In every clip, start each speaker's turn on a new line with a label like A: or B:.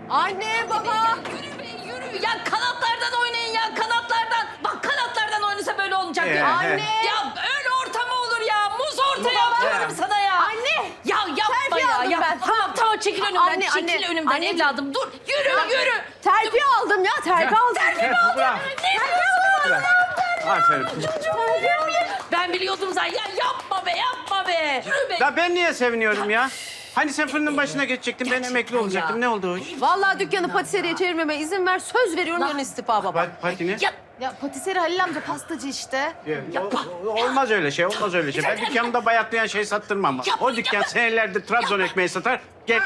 A: Anne, baba.
B: Yürü be yürü. Ya kanatlardan oynayın ya kanatlardan. Bak kanatlardan oynasa böyle olmayacak ya.
A: Anne.
B: Ya öyle orta mı olur ya? Muz orta yapıyorum sana ya.
A: Anne.
B: Ya yapma
A: Terfi
B: ya.
A: aldım ben.
B: Tamam çekil önümden.
A: Anne,
B: çekil
A: anne.
B: önümden
A: Anneciğim.
B: evladım. Dur yürü.
A: Terfi aldım ya, terfi aldım.
B: Terfi mi aldın? Ne diyorsun?
C: Aferin.
B: Ben biliyordum zaten. Ya yapma be. Yürü be.
C: Ya ben niye seviniyorum ya? Hani sen fırının başına geçecektin, ben emekli olacaktım. Ne oldu o iş?
A: Vallahi dükkanı patiseriye çevirmeme izin ver. Söz veriyorum yarın istifa baba.
C: Patine?
A: Ya patiseri Halil amca pastacı işte.
C: Olmaz öyle şey, olmaz öyle şey. Ben dükkanımda bayatlayan şey sattırmam. O dükkan senelerdir Trabzon ekmeği satar. Gel.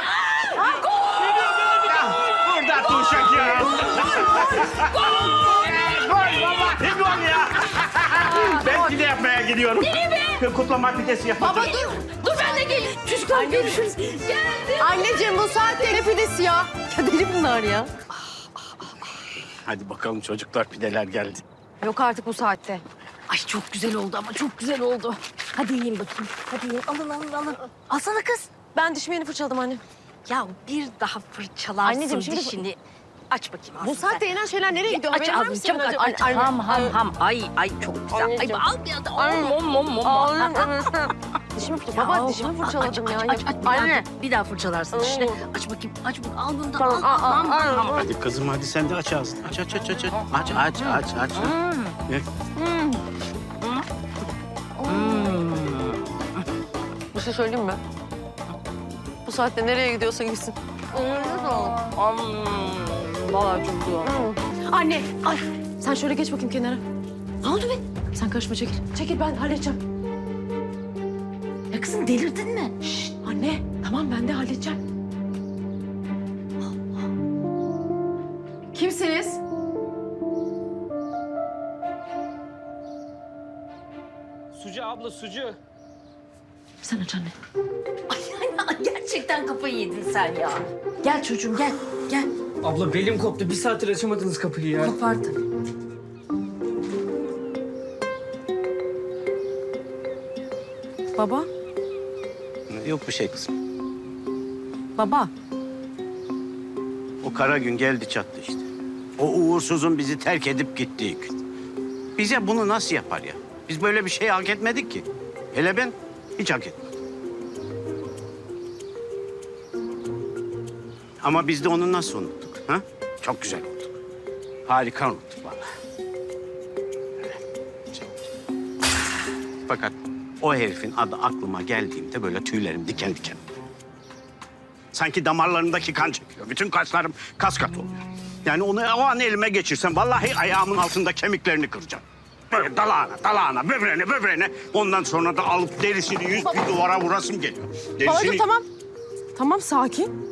C: Burada Tuşak ya. Gol baba. Ne gol ya? Ben pide yapmaya gidiyorum. Kutlama pidesi yapacağım.
A: Baba dur
B: Ben de geleyim. Çocuklar görüşürüz. Geldim.
A: Anneciğim bu saatte ne pidesi ya? Ya deli bunlar ya.
C: Hadi bakalım çocuklar, pideler geldi.
A: Yok artık bu saatte.
B: Ay çok güzel oldu ama çok güzel oldu. Hadi yiyin bakayım. Hadi yiyin. Alın. Alsana kız.
A: Ben dişimi yeni fırçaladım anne.
B: Ya bir daha fırçalarsın
A: Anneciğim, şimdi-
B: dişini. Aç bakayım.
A: Bu saatte yenen şeyler nereye gidiyor?
B: Aç
A: Haberin var mı
B: ağzını
A: senin
B: çabuk aç.
A: acaba?
B: Aç. Ham. Ay çok güzel. Ay
A: Anneciğim.
B: al bir anda.
A: Dişimi baba dişimi fırçaladım ya.
B: Anne. Bir daha fırçalarsın dişini. Aç bakayım. Bak al bunu da
A: Tamam,
B: al.
C: Hadi kızım, hadi sen de aç ağzını. Aç. Ye.
A: Bir şey söyleyeyim mi? Bu saatte nereye gidiyorsa gitsin.
B: Vallahi çok güzel.
A: Anne, ay sen şöyle geç bakayım kenara.
B: Ne oldu be?
A: Sen karışma çekil. Çekil ben halledeceğim.
B: Ya kızım delirdin mi?
A: Şşt, anne tamam ben de halledeceğim. Kimsiniz?
D: Sucu abla, sucu.
A: Sen aç anne.
B: Ay gerçekten kafayı yedin sen ya. Gel çocuğum gel.
D: Abla belim koptu. Bir saattir açamadınız kapıyı ya.
B: Kopar tabii.
A: Baba,
C: Yok bir şey kızım.
A: baba.
C: O kara gün geldi çattı işte. O uğursuzun bizi terk edip gittiği gün. Bize bunu nasıl yapar ya? Biz böyle bir şey hak etmedik ki. Hele ben hiç hak etmedim. Ama biz de onu nasıl unuttuk? Ha? Çok güzel unuttuk. Harika unuttuk vallahi. Öyle, güzel unuttuk. Fakat o herifin adı aklıma geldiğimde böyle tüylerim diken diken oluyor. Sanki damarlarımdaki kan çekiyor. Bütün kaslarım kas kat oluyor. Yani onu o an elime geçirsem vallahi ayağımın altında kemiklerini kıracağım. Böyle dalağına, böbreğine. Ondan sonra da alıp derisini bir duvara vurasım geliyor.
A: Babacığım tamam. Tamam sakin.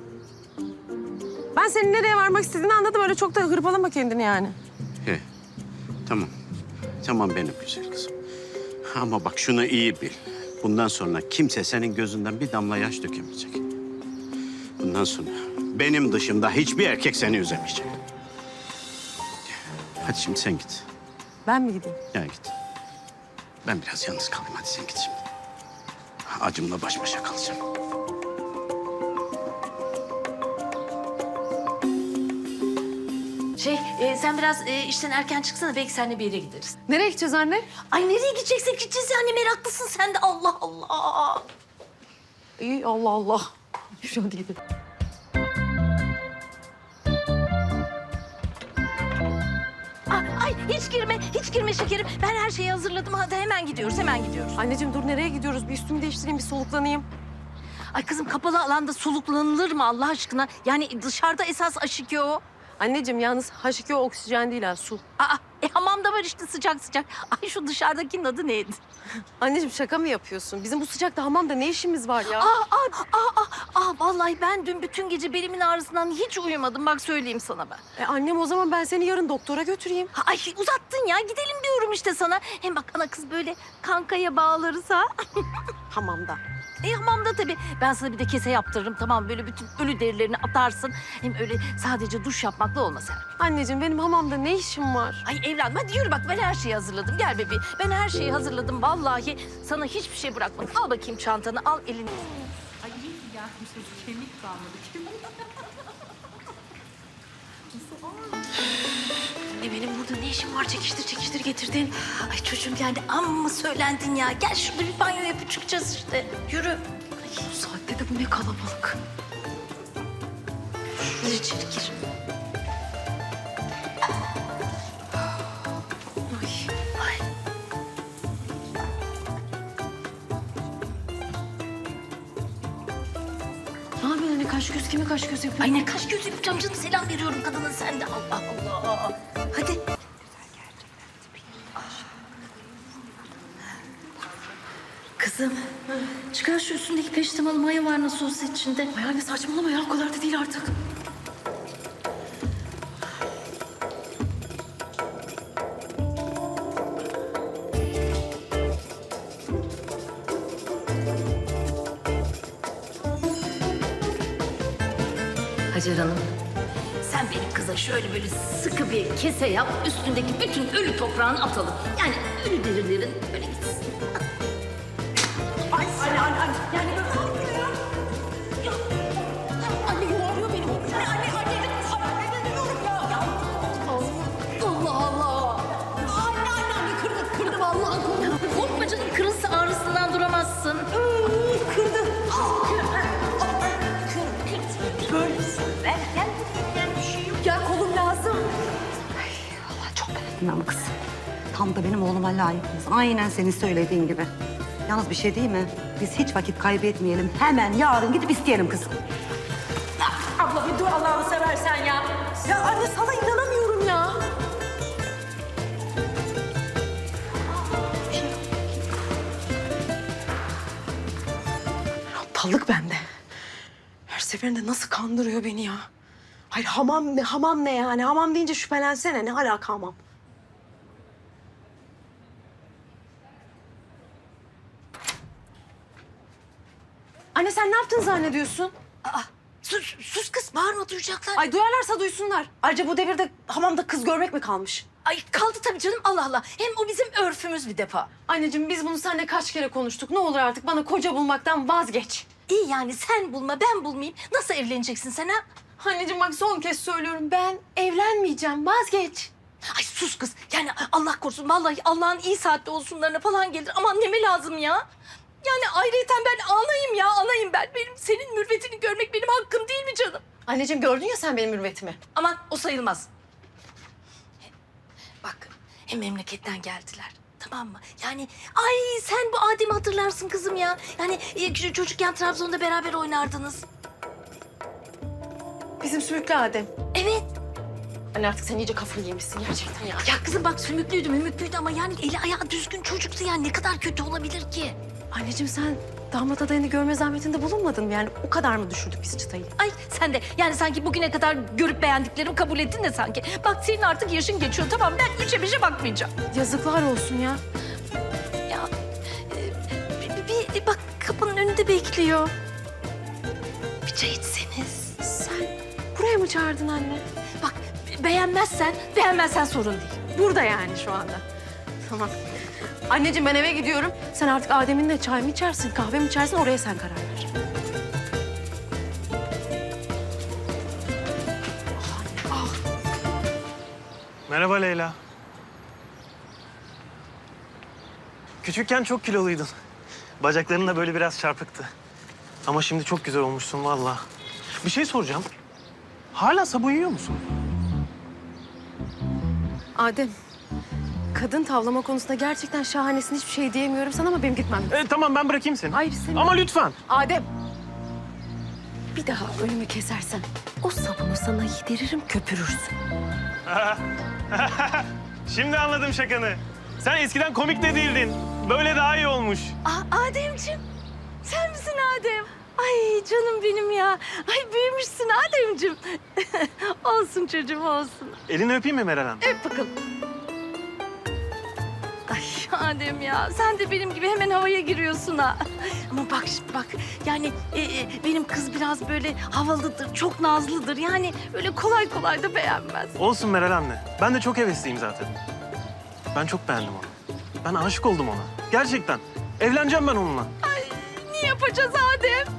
A: Ben senin nereye varmak istediğini anladım. Öyle çok da hırpalama kendini yani.
C: He, tamam. Tamam benim güzel kızım. Ama bak şunu iyi bil. Bundan sonra kimse senin gözünden bir damla yaş dökemeyecek. Bundan sonra benim dışımda hiçbir erkek seni üzemeyecek. Hadi şimdi sen git.
A: Ben mi gideyim?
C: Ya git. Ben biraz yalnız kalayım. Hadi sen git şimdi. Acımla baş başa kalacağım.
B: Sen biraz işten erken çıksana belki seninle bir yere gideriz.
A: Nereye gideceğiz anne?
B: Ay nereye gideceğiz yani meraklısın sen de Allah Allah.
A: İyi Allah Allah. Şu hadi gidelim.
B: Ay hiç girme şekerim. Ben her şeyi hazırladım. Hadi hemen gidiyoruz.
A: Anneciğim dur nereye gidiyoruz? Bir üstümü değiştireyim, bir soluklanayım.
B: Ay kızım kapalı alanda soluklanılır mı Allah aşkına? Yani dışarıda esas aşikyo o.
A: Anneciğim yalnız H2O oksijen değil ha, su.
B: Hamamda var işte sıcak. Ay şu dışarıdakinin adı neydi?
A: Anneciğim şaka mı yapıyorsun? Bizim bu sıcakta hamamda ne işimiz var ya?
B: Vallahi ben dün bütün gece belimin ağrısından hiç uyumadım. Bak söyleyeyim sana ben.
A: Annem o zaman ben seni yarın doktora götüreyim.
B: Ay uzattın ya gidelim diyorum işte sana. Hem bak ana kız böyle kankaya bağlarız ha.
A: Hamamda.
B: Hamamda tabii. Ben sana bir de kese yaptırırım tamam böyle bütün ölü derilerini atarsın. Hem öyle sadece duş yapmakla olmaz her.
A: Anneciğim benim hamamda ne işim var?
B: Ay evladım hadi yürü bak ben her şeyi hazırladım. Gel bebeğim. Ben her şeyi hazırladım vallahi. Sana hiçbir şey bırakmadım. Al bakayım çantanı al elini. Ay ya kemik kalmadı. benim burada ne işim var? Çekiştir çekiştir getirdin. Ay çocuğum yani amma söylendin ya. Gel şurada bir banyo yapıp çıkacağız işte. Yürü. Ay,
A: Bu saatte de bu ne kalabalık.
B: gir içeri gir. Ay.
A: Ne yapıyorsun anne? Kaş göz kime kaş göz yapıyor?
B: Ay ne kaş göz yapacağım canım. Selam veriyorum kadına sen de. Allah Allah. Hadi. Kızım, çıkar şu üstündeki peştemalı maya var nasıl olsa içinde.
A: Ay anne saçmalama ya, o kadar da değil artık.
B: Hacer Hanım, sen benim kıza şöyle böyle sıkı bir kese yap, üstündeki bütün ölü toprağını atalım. Yani ölü derilerin böyle gitsin. Ay anne. Yani böyle ne yapıyor ya? Ya, anne yuvarlıyor beni. Anne diyorum ya. Allah Allah. Anne kırdı vallahi. Korkma canım, kırılsa ağrısından duramazsın. Kırdı.
E: Bilmem kız. Tam da benim oğluma layık kız. Aynen senin söylediğin gibi. Yalnız bir şey değil mi? Biz hiç vakit kaybetmeyelim. Hemen yarın gidip isteyelim kızı.
A: Abla bir dur Allah'ını seversen ya. Ya anne sana inanamıyorum ya. Aptallık bende. Her seferinde nasıl kandırıyor beni ya. Hayır hamam ne, hamam ne yani? Hamam deyince şüphelensene. Ne alaka hamam? Anne sen ne yaptın zannediyorsun?
B: Sus kız, bağırma duyacaklar.
A: Ay duyarlarsa duysunlar. Ayrıca bu devirde hamamda kız görmek mi kalmış?
B: Ay kaldı tabii canım, Allah Allah. Hem o bizim örfümüz bir defa.
A: Anneciğim biz bunu seninle kaç kere konuştuk. Ne olur artık bana koca bulmaktan vazgeç.
B: İyi yani sen bulma, ben bulmayayım. Nasıl evleneceksin sen ha?
A: Anneciğim bak son kez söylüyorum. Ben evlenmeyeceğim. Vazgeç.
B: Ay sus kız. Yani Allah korusun vallahi Allah'ın iyi saatte olsunlarına falan gelir. Aman neme lazım ya? Yani ayrıyeten ben anayım ben. Benim senin mürvetini görmek benim hakkım değil mi canım?
A: Anneciğim gördün ya sen benim mürvetimi.
B: Aman o sayılmaz. Bak hem memleketten geldiler. Tamam mı? Yani ay sen bu Adem'i hatırlarsın kızım ya. Yani çocukken Trabzon'da beraber oynardınız.
A: Bizim sümüklü Adem.
B: Evet.
A: Anne artık sen iyice kafayı yemişsin gerçekten ya.
B: Ya kızım bak sümüklüydü ama yani eli ayağı düzgün çocuktu yani ne kadar kötü olabilir ki?
A: Anneciğim sen damat adayını görme zahmetinde bulunmadın mı? Yani o kadar mı düşürdük biz çıtayı?
B: Ay sen de yani sanki bugüne kadar görüp beğendiklerimi kabul ettin de sanki. Bak senin artık yaşın geçiyor tamam ben üçe beşe bakmayacağım.
A: Yazıklar olsun ya.
B: Ya bir bak kapının önünde bekliyor. Bir çay içseniz.
A: Sen buraya mı çağırdın anne?
B: Bak beğenmezsen sorun değil.
A: Burada yani şu anda. Tamam. Anneciğim ben eve gidiyorum. Sen artık Adem'inle çay mı içersin, kahve mi içersin oraya sen karar ver.
F: Merhaba Leyla. Küçükken çok kiloluydun. Bacakların da böyle biraz çarpıktı. Ama şimdi çok güzel olmuşsun vallahi. Bir şey soracağım. Hala sabun yiyor musun?
A: Adem, kadın tavlama konusunda gerçekten şahanesin, hiçbir şey diyemiyorum sana ama benim gitmem.
F: Tamam ben bırakayım seni.
A: Hayır istemiyorum.
F: Ama lütfen.
A: Adem, bir daha önümü kesersen o sabunu sana yediririm, köpürürsün.
F: Şimdi anladım şakanı. Sen eskiden komik de değildin. Böyle daha iyi olmuş.
B: Ademciğim sen misin Adem? Ay canım benim ya. Ay büyümüşsün Ademciğim. Olsun çocuğum olsun.
F: Elini öpeyim mi Meral Hanım?
B: Öp bakalım. Ay Adem ya sen de benim gibi hemen havaya giriyorsun ha. Ama bak şimdi bak yani benim kız biraz böyle havalıdır, çok nazlıdır. Yani öyle kolay kolay da beğenmez.
F: Olsun Meral anne. Ben de çok hevesliyim zaten. Ben çok beğendim onu. Ben aşık oldum ona. Gerçekten. Evleneceğim ben onunla.
B: Ne yapacağız Adem?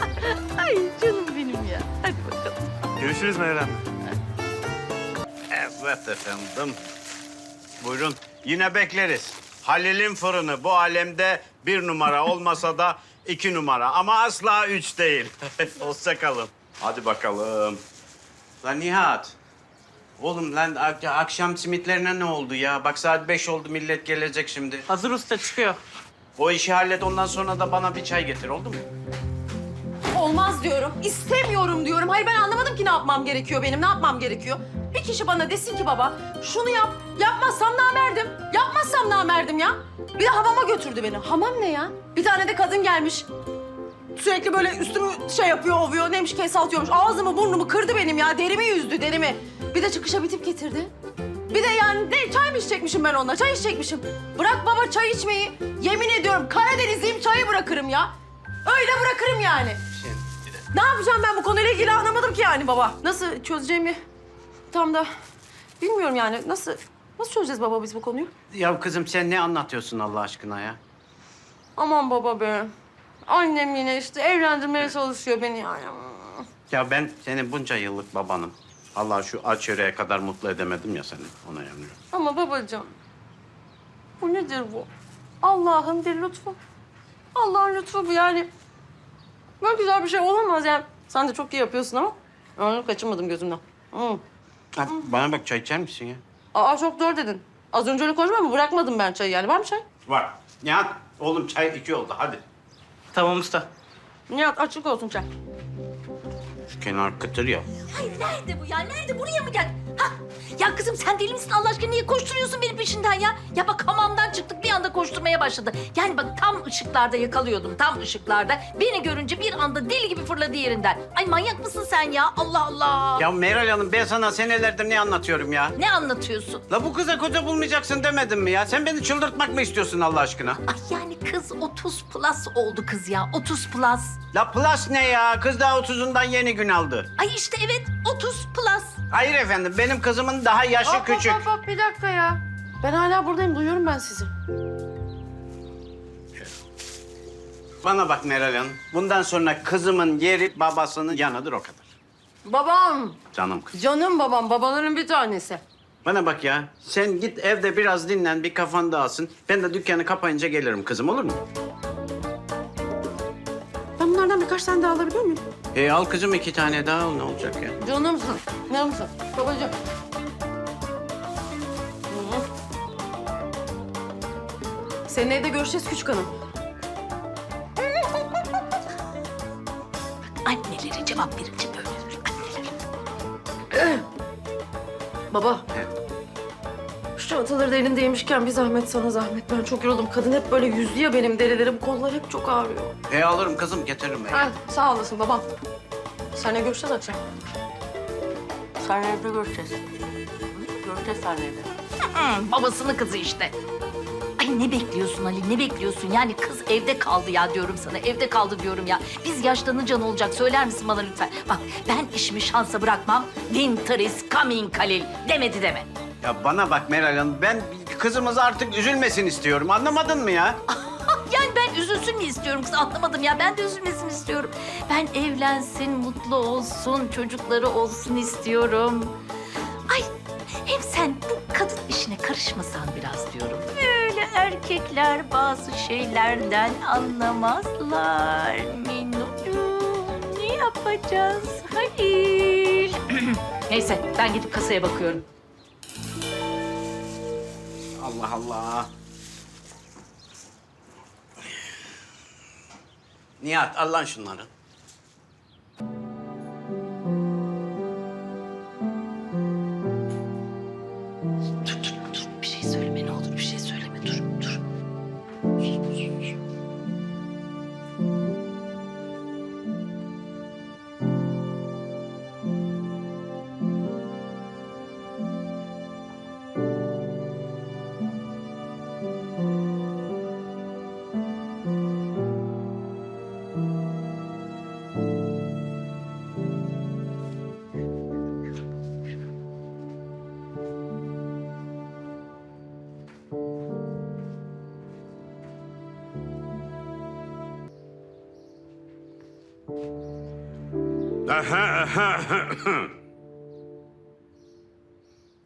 B: Ay canım benim ya. Hadi bakalım.
F: Görüşürüz Meral anne.
C: Evet efendim. Buyurun. Yine bekleriz. Halil'in fırını bu alemde 1 numara olmasa da 2 numara. Ama asla 3 değil. Hoşça kalın. Hadi bakalım. Lan Nihat. Oğlum lan akşam simitlerine ne oldu ya? Bak saat 5 oldu, millet gelecek şimdi.
F: Hazır usta çıkıyor.
C: O işi hallet, ondan sonra da bana bir çay getir, oldu mu?
A: Olmaz diyorum. İstemiyorum diyorum. Hayır ben anlamadım ki ne yapmam gerekiyor benim. Ne yapmam gerekiyor? Bir kişi bana desin ki baba şunu yap. Yapmazsam namerdim. Yapmazsam namerdim ya. Bir de hamama götürdü beni. Hamam ne ya? Bir tane de kadın gelmiş. Sürekli böyle üstümü şey yapıyor, ovuyor. Neymiş kesaltıyormuş. Ağzımı burnumu kırdı benim ya. Derimi yüzdü, derimi. Bir de çıkışa bir tip getirdi. Bir de yani çay mı içecekmişim ben onunla? Çay içecekmişim. Bırak baba çay içmeyi. Yemin ediyorum Karadenizliyim, çayı bırakırım ya. Öyle bırakırım yani. Ne yapacağım ben bu konuyla ilgili anlamadım ki yani baba. Nasıl çözeceğimi tam da bilmiyorum yani. Nasıl çözeceğiz baba biz bu konuyu?
C: Ya kızım sen ne anlatıyorsun Allah aşkına ya?
A: Aman baba be. Annem yine işte evlendirmeye çalışıyor beni yani.
C: Ya ben senin bunca yıllık babanım. Allah şu aç yüreğe kadar mutlu edemedim ya seni. Ona yanıyorum.
A: Ama babacığım, bu nedir bu? Allah'ın bir lütfu. Allah'ın lütfu bu yani. Böyle güzel bir şey olamaz yani. Sen de çok iyi yapıyorsun ama onu kaçırmadım gözümden.
C: Ha, bana bak, çay içer misin ya?
A: Aa çok doğru dedin. Az önce öyle konuşma mı? Bırakmadım ben çayı yani. Var mı çay?
C: Var. Nihat, oğlum çay 2 oldu, hadi.
F: Tamam usta.
A: Nihat açık olsun çay.
C: Şu kenar kıtır ya.
B: Hayır nerede bu ya? Nerede? Buraya mı gel? Ha? Ya kızım sen deli misin Allah aşkına? Niye koşturuyorsun benim peşinden ya? Ya bak hamamdan çıktık bir anda koşturmaya başladı. Yani bak tam ışıklarda yakalıyordum. Tam ışıklarda. Beni görünce bir anda deli gibi fırladı yerinden. Ay manyak mısın sen ya? Allah Allah.
C: Ya Meral Hanım, ben sana senelerdir ne anlatıyorum ya?
B: Ne anlatıyorsun?
C: La bu kıza koca bulmayacaksın demedim mi ya? Sen beni çıldırtmak mı istiyorsun Allah aşkına?
B: Ay yani kız 30 plus oldu kız ya. 30 plus.
C: La plus ne ya? Kız daha 30'undan yeni gün aldı.
B: Ay işte evet 30 plus.
C: Hayır efendim, benim kızımın daha yaşı küçük.
A: Hop, bir dakika ya. Ben hala buradayım. Duyuyorum ben sizi.
C: Bana bak Meral Hanım, bundan sonra kızımın yeri babasının yanıdır, o kadar.
A: Babam.
C: Canım kız.
A: Canım babam. Babaların bir tanesi.
C: Bana bak ya, sen git evde biraz dinlen, bir kafan dağılsın. Ben de dükkanı kapayınca gelirim kızım, olur mu?
A: Ben bunlardan birkaç tane daha alabiliyor muyum?
C: Al kızım 2 tane daha al, ne olacak ya?
A: Canımsın. Canımsın. Babacığım. Hı. Senin evde görüşeceğiz küçük hanım.
B: Annelere cevap verince böyle olur. Anneler.
A: Baba. Şu çantaları da elimdeymişken bir zahmet sana zahmet. Ben çok yoruldum. Kadın hep böyle yüzdü ya benim derilerim. Kollar hep çok ağrıyor.
C: Alırım kızım, getiririm ben.
A: Ha, sağ olasın babam. Seninle görüşeceğiz akşam. Seninle evde görüşeceğiz. Görüşeceğiz seninle evde.
B: Babasının kızı işte. Ay ne bekliyorsun Ali, ne bekliyorsun? Yani kız evde kaldı ya diyorum sana, evde kaldı diyorum ya. Biz yaşlanınca ne olacak? Söyler misin bana lütfen? Bak ben işimi şansa bırakmam. Winter is coming Halil. Demedi deme.
C: Ya bana bak Meral Hanım, ben kızımız artık üzülmesin istiyorum, anlamadın mı ya?
B: Yani ben üzülsün mü istiyorum kız? Anlamadım ya. Ben de üzülmesini istiyorum. Ben evlensin, mutlu olsun, çocukları olsun istiyorum. Ay hem sen bu kadın işine karışmasan biraz diyorum. Böyle erkekler bazı şeylerden anlamazlar. Minnocuğum ne yapacağız Halil? Neyse ben gidip kasaya bakıyorum.
C: Allah Allah. Nihat, al lan şunları.
B: Dur. Bir şey söyleme ne olur bir şey söyleme. Dur.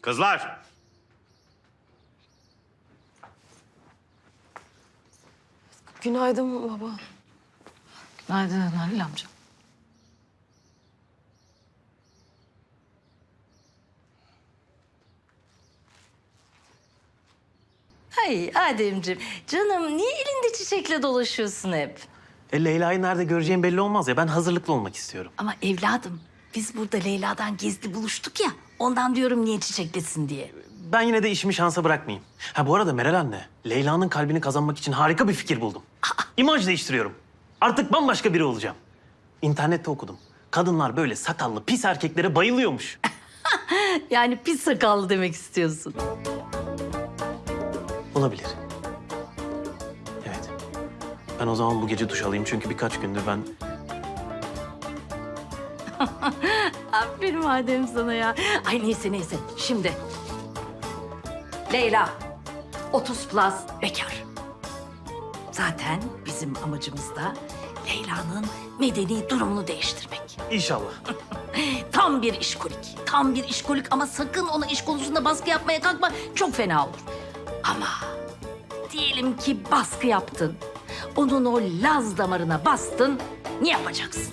C: Kızlar!
A: Günaydın baba.
B: Günaydın Halil amca. Hay Ademciğim, canım niye elinde çiçekle dolaşıyorsun hep?
F: Leyla'yı nerede göreceğim belli olmaz ya. Ben hazırlıklı olmak istiyorum.
B: Ama evladım, biz burada Leyla'dan gizli buluştuk ya. Ondan diyorum niye çiçeklesin diye.
F: Ben yine de işimi şansa bırakmayayım. Ha bu arada Meral anne, Leyla'nın kalbini kazanmak için harika bir fikir buldum. İmaj değiştiriyorum. Artık bambaşka biri olacağım. İnternette okudum. Kadınlar böyle sakallı pis erkeklere bayılıyormuş.
B: Yani pis sakallı demek istiyorsun.
F: Olabilir. Evet. Ben o zaman bu gece duş alayım çünkü birkaç gündür ben...
B: Aferin Adem sana ya. Ay neyse. Şimdi. Leyla. 30 plus bekar. Zaten bizim amacımız da Leyla'nın medeni durumunu değiştirmek.
F: İnşallah.
B: Tam bir işkolik. Tam bir işkolik ama sakın ona iş konusunda baskı yapmaya kalkma. Çok fena olur. Ama diyelim ki baskı yaptın. Onun o Laz damarına bastın. Ne yapacaksın?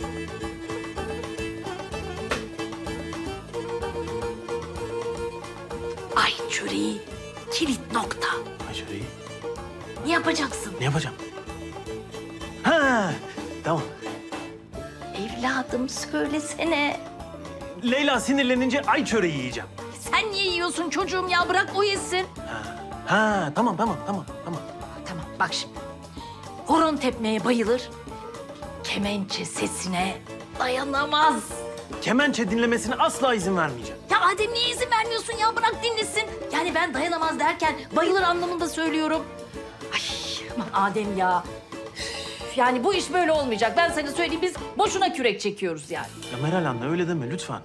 B: Ay çöreği kilit nokta.
F: Ayşe'yi
B: Ne yapacaksın?
F: ne yapacağım? Ha, tamam.
B: Evladım söylesene.
F: Leyla sinirlenince ay çöreği yiyeceğim.
B: Sen niye yiyorsun çocuğum ya? Bırak o yesin.
F: Ha, tamam.
B: Tamam bak şimdi. Horon tepmeye bayılır. Kemençe sesine dayanamaz.
F: Kemençe dinlemesine asla izin vermeyeceğim.
B: Ya Adem niye izin vermiyorsun ya? Bırak dinlesin. Yani ben dayanamaz derken bayılır anlamında söylüyorum. Ay aman Adem ya. Üf, yani bu iş böyle olmayacak. Ben sana söyleyeyim biz boşuna kürek çekiyoruz yani.
F: Ya Meral anne öyle deme lütfen.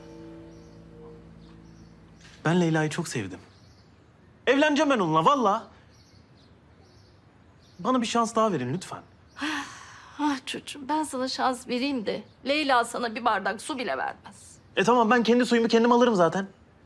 F: Ben Leyla'yı çok sevdim. Evleneceğim ben onunla vallahi. Bana bir şans daha verin lütfen.
B: Ah çocuğum ben sana şans vereyim de Leyla sana bir bardak su bile vermez.
F: Tamam ben kendi suyumu kendim alırım zaten.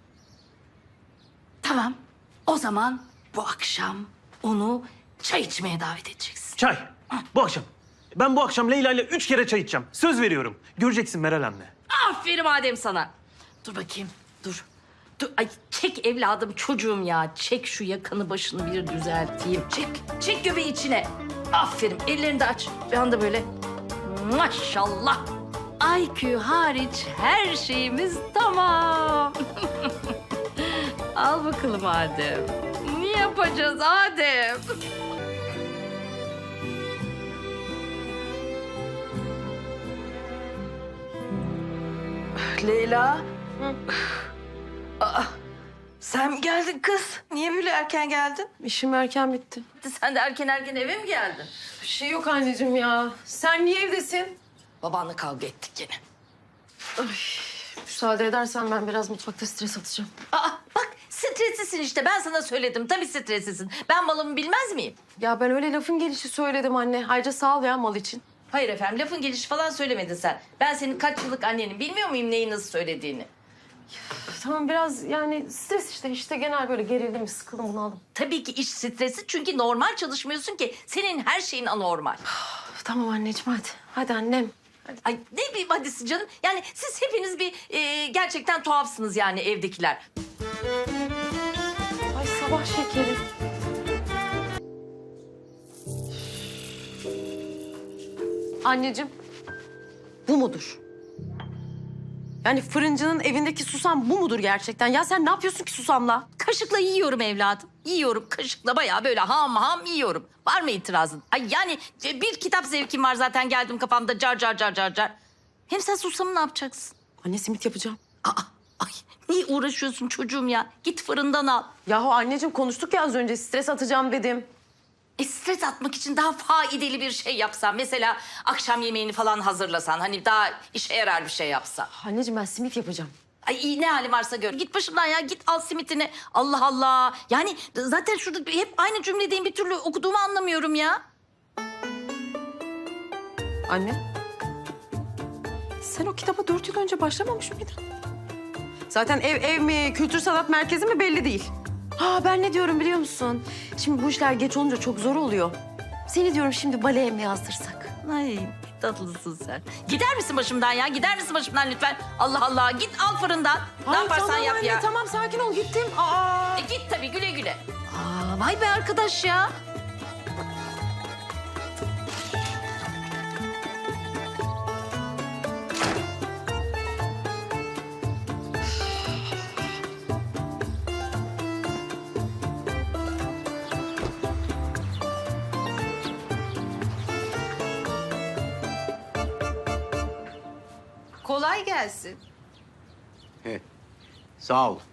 B: Tamam. O zaman bu akşam onu çay içmeye davet edeceksin.
F: Çay. Bu akşam. Ben bu akşam Leyla ile 3 kere çay içeceğim. Söz veriyorum. Göreceksin Meral anne.
B: Aferin Adem sana. Dur bakayım. Dur. Ay çek evladım çocuğum ya. Çek şu yakanı başını bir düzelteyim. Çek. Çek göbeği içine. Aferin. Ellerini de aç. Bir anda böyle. Maşallah. IQ hariç her şeyimiz tamam. Al bakalım Adem. Ne yapacağız Adem?
G: Leyla. Aa, sen mi geldin kız? Niye böyle erken geldin?
A: İşim erken bitti.
B: Sen de erken eve mi geldin?
A: Bir şey yok anneciğim ya. Sen niye evdesin?
B: Babanla kavga ettik yine.
A: Müsaade edersen ben biraz mutfakta stres atacağım.
B: Aa bak streslisin işte. Ben sana söyledim. Tabii streslisin. Ben malımı bilmez miyim?
A: Ya ben öyle lafın gelişi söyledim anne. Ayrıca sağ ol ya mal için.
B: Hayır efendim. Lafın gelişi falan söylemedin sen. Ben senin kaç yıllık annenin bilmiyor muyum neyi nasıl söylediğini?
A: Tamam biraz yani stres işte genel böyle gerildim, sıkıldım, bunaldım.
B: Tabii ki iş stresi çünkü normal çalışmıyorsun ki. Senin her şeyin anormal.
A: Tamam anneciğim hadi. Hadi annem.
B: Ay ne bileyim hadisi canım. Yani siz hepiniz bir gerçekten tuhafsınız yani evdekiler.
A: Ay sabah şekeri. Anneciğim bu mudur? Yani fırıncının evindeki susam bu mudur gerçekten? Ya sen ne yapıyorsun ki susamla?
B: Kaşıkla yiyorum evladım. Yiyorum kaşıkla bayağı böyle ham ham yiyorum. Var mı itirazın? Ay yani bir kitap zevkim var zaten geldim kafamda car car car car car. Hem sen susamı ne yapacaksın?
A: Anne simit yapacağım.
B: Ay niye uğraşıyorsun çocuğum ya? Git fırından al.
A: Yahu anneciğim konuştuk ya az önce stres atacağım dedim.
B: Stres atmak için daha faydalı bir şey yapsan. Mesela akşam yemeğini falan hazırlasan. Hani daha işe yarar bir şey yapsan.
A: Anneciğim ben simit yapacağım.
B: Ay iyi ne hali varsa gör. Git başımdan ya git al simitini. Allah Allah. Yani zaten şurada hep aynı cümledeyim bir türlü okuduğumu anlamıyorum ya.
A: Anne. Sen o kitaba 4 yıl önce başlamamış mıydın? Zaten ev mi, kültür sanat merkezi mi belli değil. Ha ben ne diyorum biliyor musun? Şimdi bu işler geç olunca çok zor oluyor. Seni diyorum şimdi baleye mi yazdırsak?
B: Ay tatlısın sen. Gider misin başımdan ya? Gider misin başımdan lütfen? Allah Allah git al fırından. Ne
A: Ay,
B: yaparsan
A: tamam
B: yap
A: anne,
B: ya.
A: Tamam sakin ol gittim. Aa.
B: Git tabii güle güle. Aa, vay be arkadaş ya. Kolay gelsin.
C: He, sağ ol.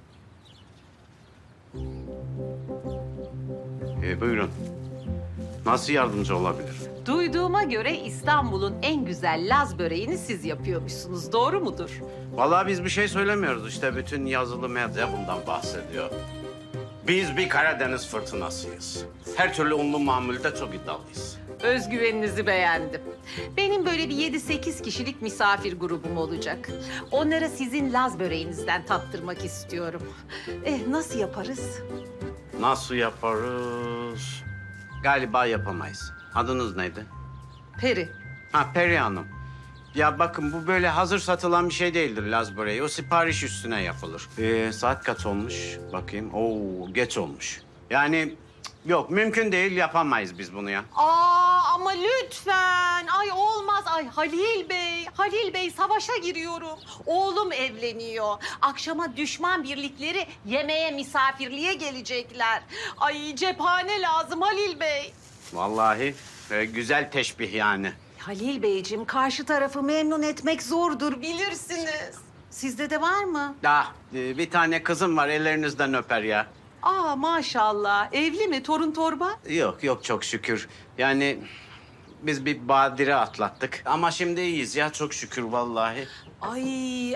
C: Buyurun. Nasıl yardımcı olabilir?
H: Duyduğuma göre İstanbul'un en güzel Laz böreğini siz yapıyormuşsunuz. Doğru mudur?
C: Vallahi biz bir şey söylemiyoruz. İşte bütün yazılı medya bundan bahsediyor. Biz bir Karadeniz fırtınasıyız. Her türlü unlu mamulde çok iddialıyız.
H: Özgüveninizi beğendim. Benim böyle bir 7-8 kişilik misafir grubum olacak. Onlara sizin Laz böreğinizden tattırmak istiyorum. Nasıl yaparız?
C: Nasıl yaparız? Galiba yapamayız. Adınız neydi?
H: Peri.
C: Ha, Peri Hanım. Ya bakın bu böyle hazır satılan bir şey değildir Laz böreği. O sipariş üstüne yapılır. Saat kaç olmuş? Bakayım. Oo, geç olmuş. Yani yok mümkün değil, yapamayız biz bunu ya.
H: Ama lütfen. Ay olmaz. Ay Halil Bey savaşa giriyorum. Oğlum evleniyor. Akşama düşman birlikleri yemeğe, misafirliğe gelecekler. Ay cephane lazım Halil Bey.
C: Vallahi güzel teşbih yani.
H: Halil Beyciğim karşı tarafı memnun etmek zordur bilirsiniz. Sizde de var mı?
C: Bir tane kızım var, ellerinizden öper ya.
H: Maşallah. Evli mi? Torun torba?
C: Yok çok şükür. Yani biz bir badire atlattık. Ama şimdi iyiyiz ya çok şükür vallahi.
H: Ay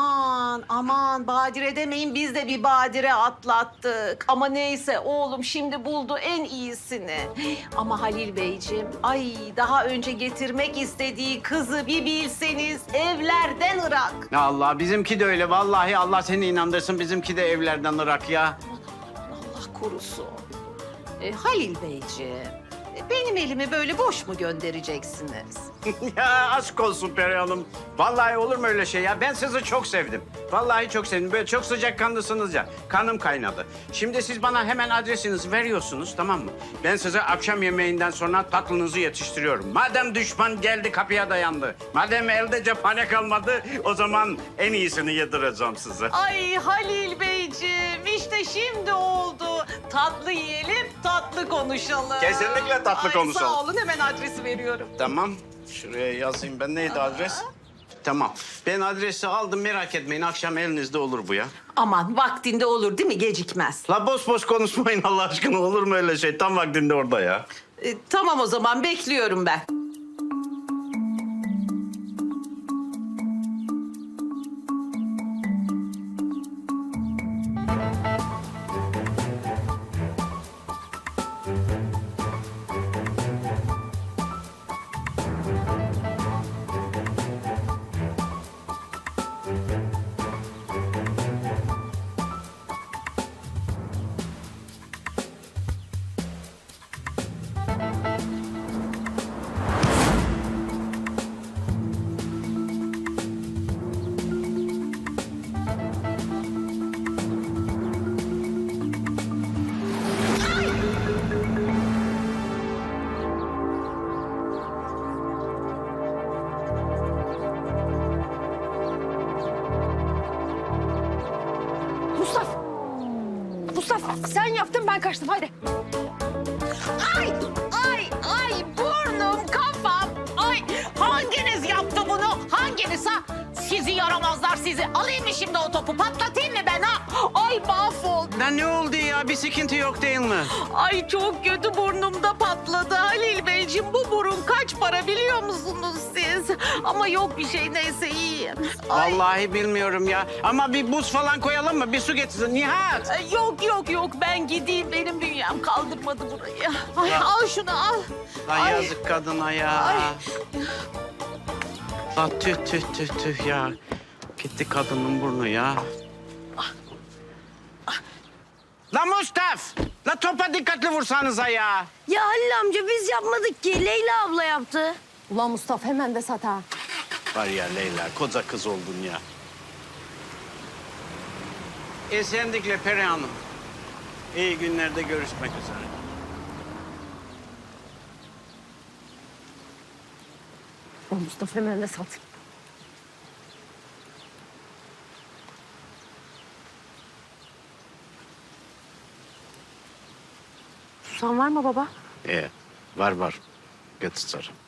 H: aman badire demeyin biz de bir badire atlattık. Ama neyse oğlum şimdi buldu en iyisini. Ama Halil Beyciğim ay daha önce getirmek istediği kızı bir bilseniz evlerden ırak.
C: Ya Allah bizimki de öyle vallahi Allah seni inandırsın bizimki de evlerden ırak ya.
H: Allah korusun. Halil Beyciğim benim elimi böyle boş mu göndereceksiniz?
C: Ya aşk olsun Peri Hanım. Vallahi olur mu öyle şey ya? Ben sizi çok sevdim. Vallahi çok sevdim. Böyle çok sıcakkanlısınız ya. Kanım kaynadı. Şimdi siz bana hemen adresinizi veriyorsunuz tamam mı? Ben size akşam yemeğinden sonra tatlınızı yetiştiriyorum. Madem düşman geldi kapıya dayandı. Madem elde cephane kalmadı o zaman en iyisini yedireceğim size.
H: Ay Halil Beyciğim işte şimdi oldu. Tatlı yiyelim, tatlı konuşalım.
C: Kesinlikle tatlı konuşalım.
H: Sağ olun hemen adresi veriyorum.
C: Tamam. Şuraya yazayım ben. Neydi adres? Tamam. Ben adresi aldım merak etmeyin. Akşam elinizde olur bu ya.
H: Aman vaktinde olur değil mi? Gecikmez.
C: La boş boş konuşmayın Allah aşkına. Olur mu öyle şey? Tam vaktinde orada ya.
H: Tamam o zaman bekliyorum ben.
A: Mustafa sen yaptın ben kaçtım hadi.
H: Ay burnum kafam. Ay hanginiz yaptı bunu? Hanginiz ha? Sizi yaramazlar sizi. Alayım mı şimdi o topu patlatayım mı ben ha? Ay mahvoldum.
C: Lan ne oldu ya? Bir sıkıntı yok değil mi?
H: Ay çok kötü burnumda patladı Halil Beyciğim. Bu burun kaç para biliyor musunuz siz? Ama yok bir şey neyse iyiyim. Ay.
C: Vallahi bilmiyorum ya. Ama bir buz falan koyalım mı? Bir su getirsin. Nihat!
H: Yok ben gideyim benim bünyem kaldırmadı burayı. Ay al şunu al.
C: Ay,
H: Ay.
C: yazık kadına ya.
H: Ay.
C: La tüh ya. Gitti kadının burnu ya. La Mustaf! La topa dikkatli vursanıza ya.
B: Ya Halil amca biz yapmadık ki. Leyla abla yaptı.
A: Ulan Mustafa hemen de sat ha.
C: Var ya Leyla, koca kız oldun ya. Esenlikle Peri Hanım. İyi günlerde görüşmek üzere.
A: Ulan Mustafa hemen de sat. Susan var mı baba?
C: Var. Götür.